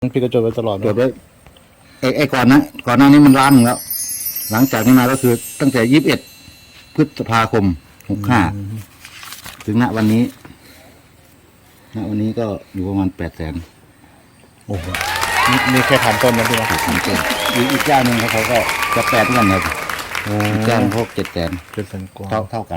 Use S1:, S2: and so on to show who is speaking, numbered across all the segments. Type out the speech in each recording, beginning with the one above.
S1: พี่ก็จดไว้ตลอด
S2: จดไว้ไอ้ก่อนหน้านี้มันล้านหนึ่งแล้ว หลังจากนี้มาก็คือตั้งแต่21 พฤษภาคม 65 ถึงณวันนี้ก็อยู่ประมาณ800,000
S1: โอ้โหนี่แค่ถามต้นนะพี่นะ
S2: อีกเจ้าหนึ่งเขาก็จะ8เหมือนกันครับอีกเจ้าหนึ่งเขา700,000
S1: 700,000 กว่า
S2: เท่ากัน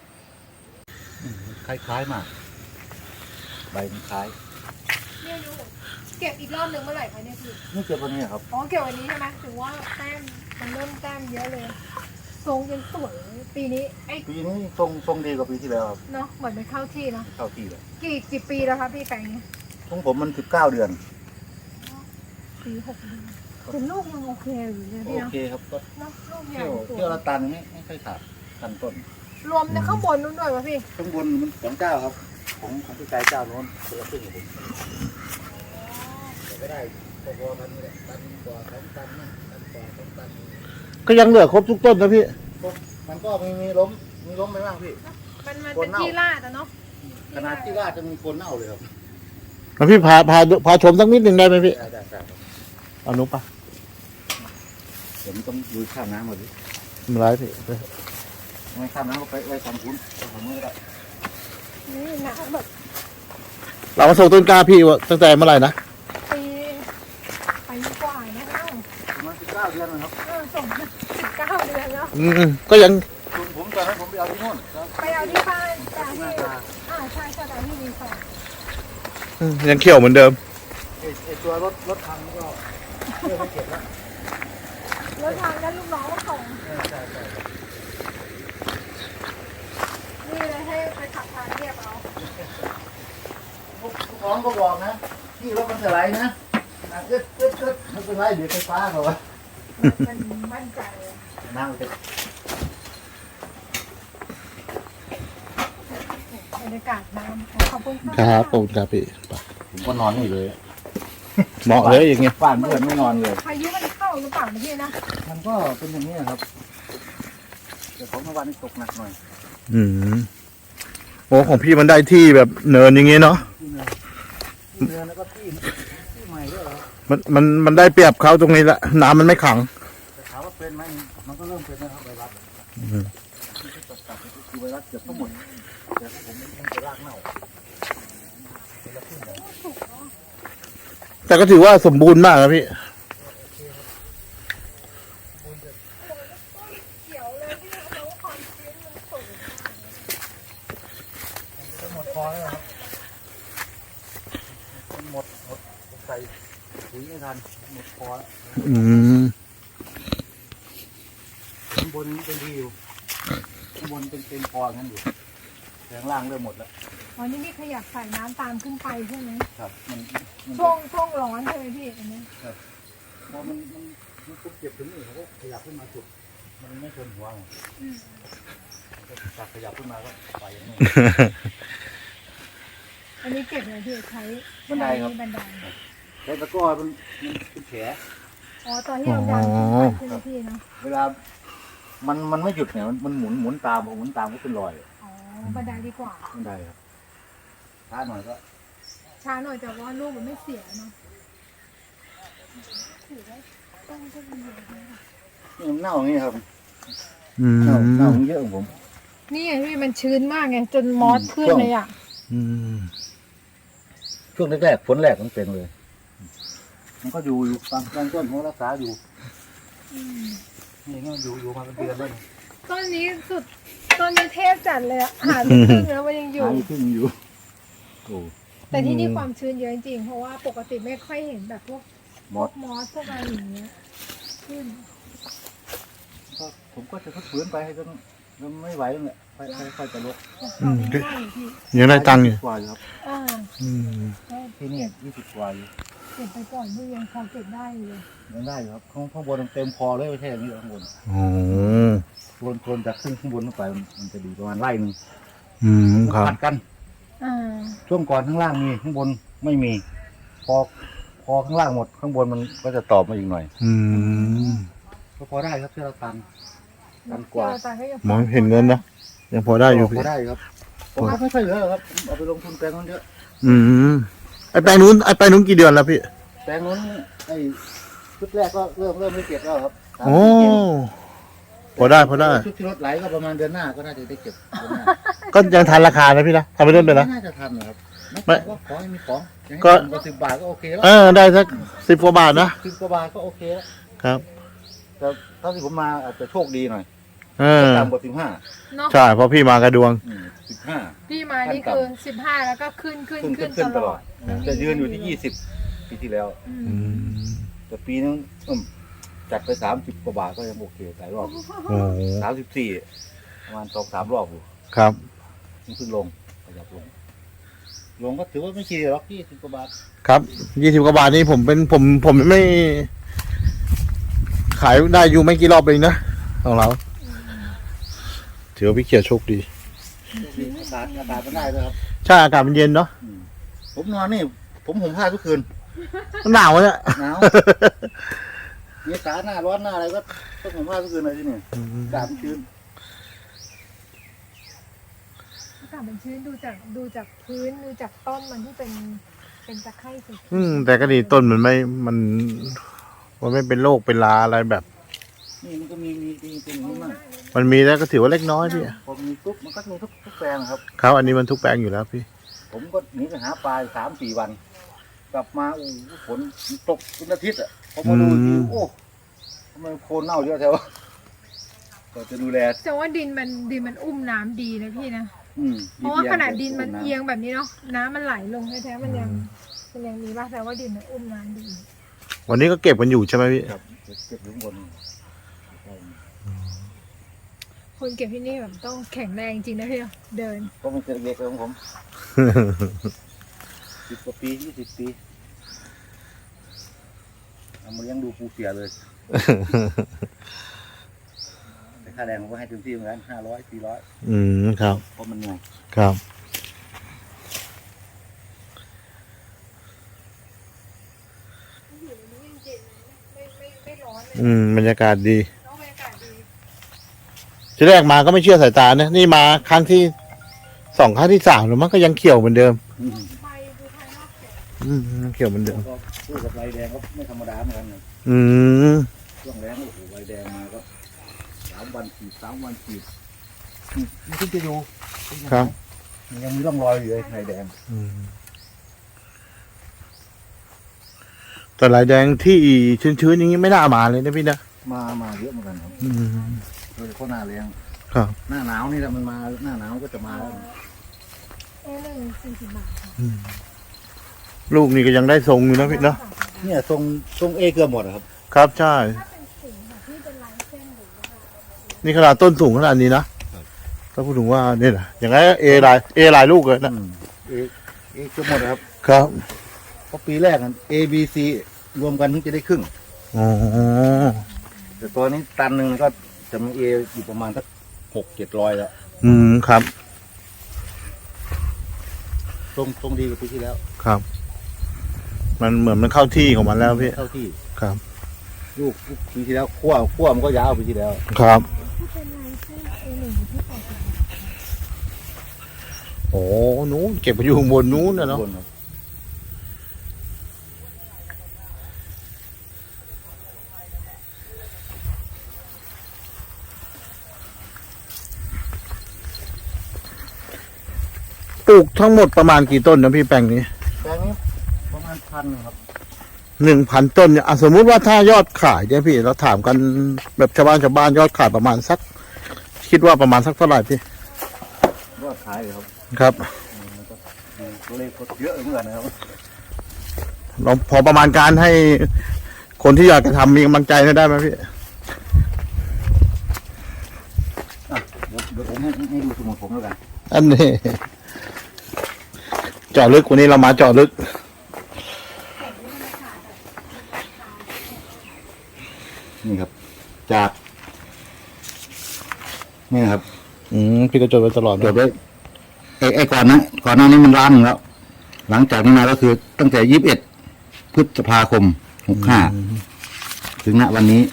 S2: คล้ายๆมากใบมันคล้าย
S3: เนี่ยยูเก็บอีกรอบหนึ่งเมื่อไหร่คะเนี่ยพี่
S2: นี่เก็บวันนี้ครับ
S3: อ๋อเก็บวันนี้ใช่ไหมถึงว่าแต้มมันเริ่มแต้มเยอะเลยทรงยังสวยปีนี้
S2: ปีนี้ทรงดีกว่าปีที่แล้วครับ
S3: เนาะเหมือนเป็นเข้าที่เนาะ
S2: เข้าที่เลย
S3: กี่ปีแล้วคะพี่แปลงนี้
S2: ของผมมัน19 เดือน
S3: ปี6 เดือนแต่ลูกยังโอเคอยู่เลย
S2: โอ
S3: พี่เนาะ
S2: เคครับก็
S3: เนาะลูกใหญ่
S2: เที่ยวละตันไม่ค่อยขาดตันต้น
S3: รวมในข้างบนนู้นด้วยวะพี่
S2: ข้างบนมันของเจ้าครับของพี่กายเจ้าโน้นเสือขึ้นอยู่ผมแต่ไม่ได้พอๆกันนี่แหละตันกว่า2 ตันนะตันกว่า2 ตัน
S1: ก็ยังเหลือครบทุกต้นนะพี่
S2: มันก็มีล้มไปบ้างพี่
S3: มันเป็นที่ลาดอะเนาะ
S2: ขนาดที่ว่าจะมีคนเน่าเลยครับ
S1: แล้วพี่พาชมสักนิดหนึ่งได้ไหมพี่
S2: ได้ครับ
S1: เอานุ๊กปะ
S2: เดี๋ยวมันต้องดูข้ามน้ำหมดดิ
S1: ไม่เป็นไรพี่
S2: ไม่ข้ามน้ำก็ไปไว้ทางคุณทางนู้นก็ได้
S3: นี่นะแบบ
S1: เรามาส่งต้นกล้าพี่ว่าตั้งแต่เมื่อไหร่นะ
S3: ปีกว่านะคะ
S2: ประมาณ19 เดือนนะครับ
S3: ส่ง19 เดือนแล้ว
S1: ก็ยัง
S2: ผมตอนนั้นผมไปเอาที่โน่นครับ
S3: ไปเอาที่บ้านแต่ที่ใช่แต่ที่รีสอร์ท
S1: ยังเขียวเหมือนเดิม
S2: ไอ้ตัวรถพังก็เพื่อไม่เก็บแล้ว
S3: แล้วทางนั้นลูกน้องก็ส่ง
S2: ใช่
S3: นี่เลยให้ไปขับทางเรียบเอา
S2: ลูกน้องก็บอกนะพี่รถมันสไลด์นะเกิดไม่เป็นไรเดี๋ยวไฟฟ้าเขาวะ
S3: มันมั่นใจเลย
S2: นั่งไป
S3: บรรยากาศน้ำขอบคุณ
S1: ครับขอบคุณครับพี่
S2: ผมก็นอนนี่เลย
S1: เหมาะเลยอย่างเงี้ย
S2: บ้านเพื่อนไม่นอนเลย
S3: พายุมันเข้าหรือเปล่านะพี่นะ
S2: มันก็เป็นอย่างนี้ครับแต่ของเมื่อวานนี้ตกหนักหน่อย
S1: โอ้ของพี่มันได้ที่แบบเนินอย่างเงี้ยเนาะ
S2: ที่เนื้อแล้วก็ที่ใหม่ด้วยเหรอ
S1: มันได้เปรียบเขาตรงนี้แหละน้ำมันไม่ขัง
S2: แต่ถามว่าเป็นไหมมันก็เริ่มเป็นนะครับไวรัสที่ตัดคือไวรัสเกือบทั้งหมดแต่ผมไม่ต้องไปรากเน่า
S1: แต่ก็ถือว่าสมบูรณ์มากนะพี่
S3: เขียวเลยที่เราความชื้นมันสูง
S2: หมดพอแล้วครับหมดใส่ปุ๋ยไม่ทันหมดพอแล้วข้างบนเป็นดีอยู่ข้างบนเป็นพองั้นอยู่แต่ข้างล่างเริ่มหมดแล้ว
S3: อ๋อนี่ขยับใส่น้ำตามขึ้นไปใช่ไหม
S2: ครับมัน
S3: ช่วงร้อนใช่ไหมพี่อันนี้
S2: พอมันปุ๊บเก็บถึงนี่เขาก็ขยับขึ้นมาจุดมันไม่ชนหัวไงก็ขยับขึ้นมาก็ไปอย่างนี้
S3: อันนี้เก็บเลยพี่ใช้
S2: บันไดครับ
S3: บันได
S2: แล้วตะกร้อมันเป็นแผล
S3: อ๋อตอนที่เราดันขึ้นไปใช่ไหมพี่เนาะ
S2: เวลามันไม่หยุดเนี่ยมันหมุนตามพอหมุนตามก็เป็นรอย
S3: อ๋อบันไดดีกว่า
S2: บันไดครับช้าหน่อยก็
S3: ช้าหน่อยแต่ว่าลูกมันไม่เสียเนาะถือว่าต้องมีเยอะนะ
S2: นี่มันเน่าอย่างนี้ครับเน่าเยอะของผม
S3: นี่ไงพี่มันชื้นมากไงจนมอสขึ้นเลยอ่ะ
S2: ช่วงแรกๆฝนแรกมันเป็นเลย มันก็อยู่ตามต้นเขารักษาอยู่นี่ก็อยู่มาเป็นเดือนแล้ว
S3: ต้นนี้สุดต้นนี้เทพจัดเลยอะหาไม่ขึ้นแล้วมันยังอยู่
S2: หายขึ้นอยู่โอ้
S3: แต่ที่นี่ความชื้นเยอะจริงๆเพราะว่าปกติไม่ค่อยเห็นแบบพวก
S2: มอส
S3: มอสพวกอะไรอย่างเงี้ยขึ้น
S2: ก็ผมก็จะฝืนไปให้จนไม่ไหวแล้วแหละค่อยจะลด
S1: ยังได้ตังค์อยู่
S2: กว่าอยู่ครับ
S3: อ่า
S2: ที่นี่20 กว่าอยู่
S3: เก็บไปก่อนพี่ยังพอเก็บได้อยู่เลย
S2: ยังได้อยู่ครับข้างบนเต็มพอเลยไม่ใช่อย่างนี้ข้างบน
S1: โอ้
S2: โคนจากข้างบนขึ้นไปมันจะดีประมาณไร่หนึ่ง
S1: ครับ
S2: ผัดกัน
S3: อ่า
S2: ช่วงก่อนข้างล่างมีข้างบนไม่มี พอข้างล่างหมดข้างบนมันก็จะตอบมาอีกหน่อยก็พอได้ครับเชื่อเราตันกว่า
S1: มองเห็นเงินนะยังพอได้อยู่
S2: พ
S1: พี่
S2: อได้ครับผมก็ไม่ค่อยเหลือครับเอาไปลงทุนแปลงนั้นเยอะ
S1: ไอแปลงนู้นกี่เดือนแล้วพี่
S2: แปลงนู้นไอ้ชุดแรกก็เริ่มได้เก็บแล้วครับ
S1: โอ้พอได้
S2: ชุดที่รถไหลก็ประมาณเดือนหน้าก็น่าจะได้เก็บเดือนหน้า
S1: ก็ยังทันราคานะพี่นะทำไปต้นเลยนะ
S2: ไม่น่าจะทันนะครับ
S1: ไม่
S2: ก็ขอให้มีของ
S1: ก็
S2: ก็10 บาทก็โอเคแล้ว
S1: ได้สัก10 กว่าบาทนะ
S2: 10 กว่าบาทก็โอเคแล้ว
S1: ครับ
S2: แต่ถ้าที่ผมมาอาจจะโชคดีหน่อย ต่ำกว่า15
S3: เนาะ
S1: ใช่เพราะพี่มากระดวง
S2: 15
S3: พี่มานี่คือ15แล้วก็ขึ้น
S2: ขึ้น
S3: ตลอด
S2: จะยืนอยู่ที่20ปีที่แล้ว แต่ปีนึงจัดไป30 กว่าบาทก็ยังโอเคหลายรอบ
S1: โอ้โห
S2: 34ประมาณ2-3 รอบอยู่
S1: ครับ
S2: มันขึ้นลงขยับลงก็ถือว่าไม่ขี้หรอก20 กว่าบาท
S1: ครับ20 กว่าบาทนี่ผมไม่ ขายได้อยู่ไม่กี่รอบเองนะของเราถือว่าพี่เขียวโชคดี
S2: อากาศมันได้ด้วยครับ
S1: ใช่อากาศมันเย็นเนาะ
S2: ผมนอนนี่ผมห่มผ้าทุกคืน
S1: มันหนาวเนี่ย
S2: หนาวเมษาหน้าร้อนหน้าอะไรก็ต้องห่มผ้าทุกคืนเลยที่นี่อากาศมันชื้น
S3: อากาศมันชื้นดูจากพื้นดูจากต้นมันที่เป็นตะไคร่สี
S1: แต่ก็ดีต้นมันไม่เป็นโรคเป็นลาอะไรแบบ
S2: นี่มันก็มีเป็นอย่างนี้มาก
S1: มันมีแล้วก็ถือว่าเล็กน้อยพี่
S2: พอมีปุ๊บมันก็มีทุกแปลงครับ
S1: ครับอันนี้มันทุกแปลงอยู่แล้วพี่
S2: ผมก็หนีไปหาปลา3-4 วัน กลับมาฝนตกเป็นอาทิตย์อ่ะพอมาดูทีโอ้ทำไมโคลนเน่าเยอะแถวก็จะดูแล
S3: แต่ว่าดินมันอุ้มน้ำดีนะพี่นะ เพ
S2: ดี
S3: ราะว่า
S2: เยี่ยม
S3: ขนาดดินมันเอียงแบบนี้เนาะน้ำมันไหลลงแท้ๆมันยังมีบ้างแต่ว่าดินมันอุ้มน้ำดี
S1: วันนี้ก็เก็บกันอยู่ใช่ไหมพี่
S2: ครับเก็บอยู่ข้างบน
S3: คนเก็บที่นี่แบบต้องแข็งแรงจริงนะพี่เนาะเดิน
S2: ก็มันเด็กๆของผม 10 กว่าปี20 ปีเอามาเลี้ยงดูปูเสียเลย แต่ค่าแรงผมก็ให้เต็มที่เหมือนกัน500-400
S1: ครับ
S2: เพราะมันเหนื่อย
S1: ครับ
S3: อยู่ในนี้เย็นๆไม่ร้อนเลย
S1: บรรยากาศดี
S3: น้องบรรยากาศดี
S1: ทีแรกมาก็ไม่เชื่อสายตานะนี่มาครั้งที่2 ครั้งที่3แล้วมันก็ยังเขียวเหมือนเดิม
S3: ใบดูภายนอกเขียว
S1: ยังเขียวเหมือนเดิม
S2: ก็สู้กับใบแดงก็ไม่ธรรมดาเหมือนกันนะ ช่วงแรงโอ้โหใบแดงมาก็3 วันขีดมันขึ้นจะอยู่
S1: ครับ
S2: มันยังมีร่องรอยอยู่เลยไข่แดง
S1: แต่ลายแดงที่ชื้นๆอย่างนี้ไม่น่ามาเลยนะพี่นะ
S2: มาเยอะเหมือนกันครับโดยเฉพาะหน้าแรง
S1: ครับ
S2: หน้าหนาวนี่แหละมันมาหน้าหนาวก็จะมาแล้ว
S3: 40 บาทค่ะ
S1: ลูกนี่ก็ยังได้ทรงอยู่นะพี่เนาะ
S2: เนี่ยทรงเอเกือบหมดอะครับ
S1: ครับใช่
S3: ถ้าเป็นสีแบบที่เป็นลายเส้นหรือว่า
S1: นี่ขนาดต้นสูงขนาดนี้นะถ้าพูดถึงว่าเนี่ยนะอย่างไรเอหลายลูกเลยนะ
S2: เอเกือบหมดอะครับ
S1: ครับ
S2: เพราะปีแรกA B C รวมกันถึงจะได้ครึ่ง
S1: อ๋อ
S2: แต่ตัวนี้ตันหนึ่งก็จะมี A อยู่ประมาณสัก600-700แล้ว
S1: ครับ
S2: ตรงดีกว่าปีที่แล้ว
S1: ครับ มันเหมือนมันเข้าที่ของมันแล้วพี่
S2: เข้าที่
S1: ครับ
S2: ลูกปีที่แล้วขั้วมันก็ยาวปีที่แล้ว
S1: ครับ
S3: ที่เป็นลายเส้น A1 ที่80 บาท
S1: โอ้นู้นเก็บไปอยู่ข้างบนนู้นนะเนาะ
S2: บครับ
S1: ปลูกทั้งหมดประมาณกี่ต้นนะพี่แปลงนี้
S2: แปลงนี้ประมาณ1,000ครับ
S1: 1,000 ต้นเนี่ยสมมุติว่าถ้ายอดขายเนี่ยพี่เราถามกันแบบชาวบ้านยอดขายประมาณสัก คิดว่าประมาณสักเท่าไหร่พี่
S2: ยอดขายเลยครับ
S1: ครับ
S2: มันก็ตัวเลขก็เยอะเหมือนกันนะครับ
S1: เราพอประมาณการให้คนที่อยากจะทำมีกำลังใจได้ไหมพี่
S2: เดี๋ยวผมให้ดูสมุดผมแล้วกัน
S1: อันนี้เจาะลึกวันนี้เรามาเจาะลึก
S2: นี่ครับ จากนี่นะครับ
S1: พี่ก็จดไว้ตลอด
S2: จดไว้ไอ้ก่อนหน้านี้มันล้านหนึ่งแล้ว หลังจากนี้มาก็คือตั้งแต่21 พฤษภาคม 65 ถึงณวันนี้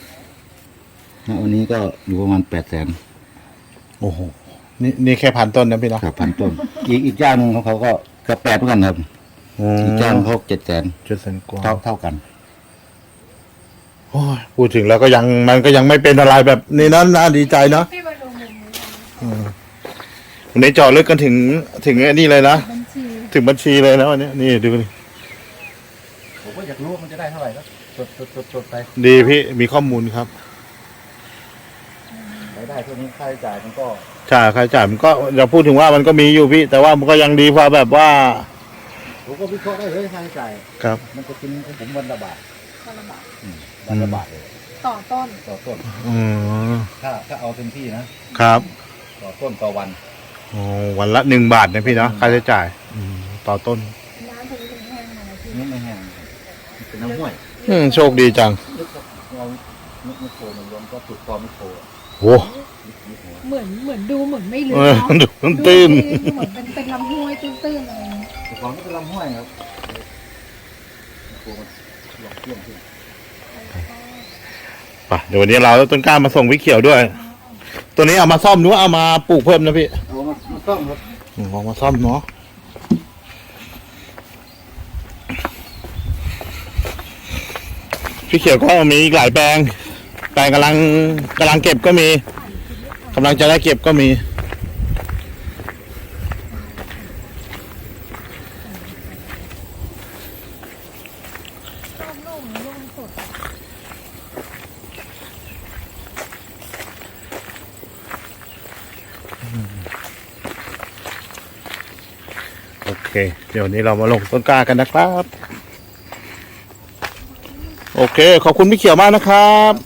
S2: ก็อยู่ประมาณ800,000
S1: โอ้โหนี่แค่1,000 ต้นนะพี่เนาะ
S2: ครับ1,000 ต้น อีกเจ้าหนึ่งของเขาก็เกือบ8เหมือนกันครับจ้างเขา700,000
S1: 700,000 กว่า
S2: เท่ากัน
S1: โอ้ยพูดถึงแล้วก็ยังมันก็ยังไม่เป็นอะไรแบบนี้นั้นน่าดีใจเนาะ
S3: พี่มาดูมุมนี้
S1: วันนี้เจาะลึกกันถึงไอ้นี่เลยนะ
S3: บัญชี
S1: ถึงบัญชีเลยนะวันนี้นี่ดูดิ
S2: ผมก็อยากรู้ว่ามันจะได้เท่าไหร่ครับจดไป
S1: ดีพี่มีข้อมูลครับ
S2: รายได้เท่านี้ค่าใช้จ่ายมันก็
S1: ใช่ค่าใช้จ่ายมันก็อย่าพูดถึงว่ามันก็มีอยู่พี่ แต่ว่ามันก็ยังดีกว่าแบบว่า
S2: ผมก็วิเคราะห์ได้เลยค่าใช้จ่าย
S1: ครับ
S2: มันจะกินของผมวันละบาท
S3: คนละบาท
S2: วันละบาทเลย
S3: ต่อต้น
S2: ต่อต้น
S1: อืม
S2: ถ้าเอาเต็มที่นะครับ ต่อต้นต่อวัน
S1: โอ้วันละ1 บาทนะพี่เนาะค่าใช้จ่ายต่อต้น
S3: น้ำตรงนี้เป็นแห้งมาแล้วพี่
S2: นี่ไม่แห้งเป็นน้ำห้วย
S1: โชคดีจัง
S2: ลึกเราไม่โคมันรวมก็จุดคอไม่โค
S1: โอ้
S3: เหมือนดูเหมือนไม่ลึก
S1: เออ
S3: เนาะ
S1: ดูมันตื้น
S3: ดูเหมือนเป็นลำห้วยตื้นๆอะไรอย่างเงี้ย
S2: แต่ของนี่เป็นลำห้วยครับโคมันหลอกเที่ยงขึ้น
S1: ไปเดี๋ยววันนี้เราเอาต้นกล้ามาส่งพี่เขียวด้วย ตัวนี้เอามาซ่อมหรือว่าเอามาปลูกเพิ่มนะพี่
S2: เอามาต้องครับ
S1: เอามาซ่อมเนาะพี่เขียวก็มีอีกหลายแปลงกำลังเก็บก็มีกำลังจะได้เก็บก็มี
S3: ร่มร่มสด
S1: โอเค เดี๋ยววันนี้เรามาลงต้นกล้ากันนะครับ โอเค ขอบคุณพี่เขียวมากนะครับ